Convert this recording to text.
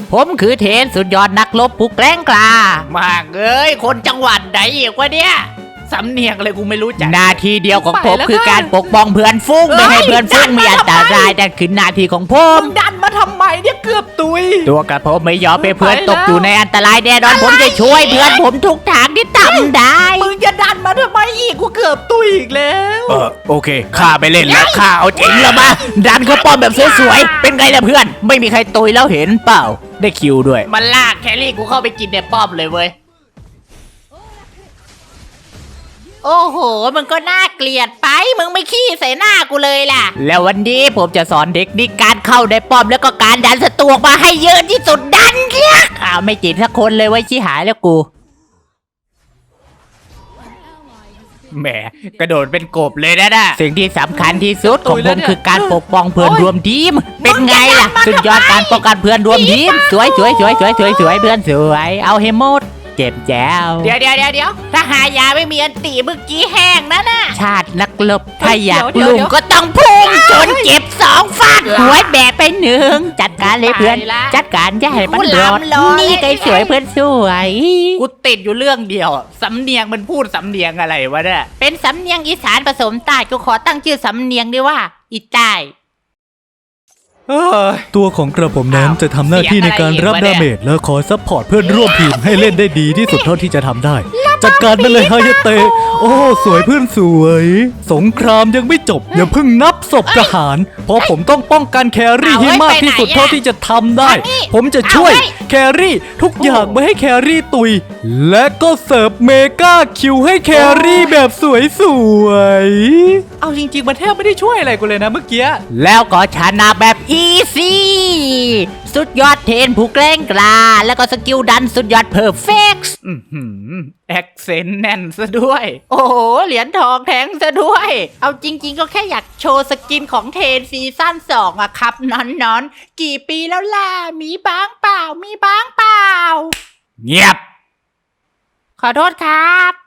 ผมคือเทนสุดยอดนักรบผู้แกล้งกล้ามากเอ้ยคนจังหวัดไหนอีกวะเนี่ยสำเนียงอะไรกูไม่รู้จักหน้าที่เดียวของผมคือการปกป้องเพื่อนฟุ้งไม่ให้เพื่อนฟุ้งมีอันตรายนั่นคือหน้าที่ของผมดันมาทำไมเนี่ยเกือบตุยตัวกับผมไม่ยอมให้เพื่อนตกอยู่ในอันตรายแน่นอนผมจะช่วยเพื่อนผมทุกทางที่ทำได้มึงจะดันมาทำไมอีกกูเกือบตุยอีกแล้วโอเคข้าไปเล่นแล้วข้าเอาจริงแล้วมาดันเข้าป้อมแบบสวยๆเป็นไงล่ะเพื่อนไม่มีใครตุยแล้วเห็นเปล่าได้คิวด้วยมันลากแครี่กูเข้าไปกินในป้อมเลยเว้ยโอ้โหมึงก็น่าเกลียดไปมึงไม่ขี้ใส่หน้ากูเลยล่ะแล้ววันนี้ผมจะสอนเทคนิคการเข้าในป้อมแล้วก็การดันศัตรูมาให้เยอะที่สุดดันเรียกไม่จิตสักคนเลยไว้ชี้หายแล้วกูแหมกระโดดเป็นกบเลยนะสิ่งที่สำคัญที่สุดของผมคือการปกป้องเพื่อนรวมทีมเป็นไงล่ะสุดยอดการป้องกันเพื่อนรวมทีมสวยเพื่อนสวยเอาให้หมดเจ็บแจ๋วเดี๋ยวถ้าหายาไม่มีอันตีเมื่อกี้แห้งนะชาตินักลบถ้าอยากลุงก็ต้องพุ่งจนเจ็บ2 ฟาดหัวแบะไป1จัดการเลยเพื่อนจัดการอย่าให้มันรอดนี่ไงสวยเพื่อนสวยกูติดอยู่เรื่องเดียวสำเนียงมันพูดสำเนียงอะไรวะเนี่ยเป็นสำเนียงอีสานผสมใต้กูขอตั้งชื่อสำเนียงด้วยว่าอีใต้ตัวของกระผมนั้นจะทำหน้าที่ในการรับดาเมจและขอซัพพอร์ตเพื่อนร่วมทีมให้เล่นได้ดีที่สุดเท่าที่จะทำได้จัดการไปเลยฮายาเตะโอ้สวยเพื่อนสวยสงครามยังไม่จบอย่าเพิ่งนับศพทหารเพราะผมต้องป้องกันแครี่ให้มากที่สุดเท่าที่จะทำได้ผมจะช่วยแครี่ทุกอย่างไม่ให้แครี่ตุยและก็เสิร์ฟเมกาคิวให้แครี่แบบสวยๆเอาจริงๆมันแทบไม่ได้ช่วยอะไรกูเลยนะเมื่อกี้แล้วก็ชนะแบบอีซี่สุดยอดเทนผู้แกล้งกล้าแล้วก็สกิลดันสุดยอดเพอร์เฟกต์แอคเซนต์แน่นซะด้วยโอ้โหเหรียญทองแทงซะด้วยเอาจริงๆก็แค่อยากโชว์สกินของเทนซีซั่น2อะครับนอนกี่ปีแล้วล่ะมีบ้างเปล่าเงียบขอโทษครับ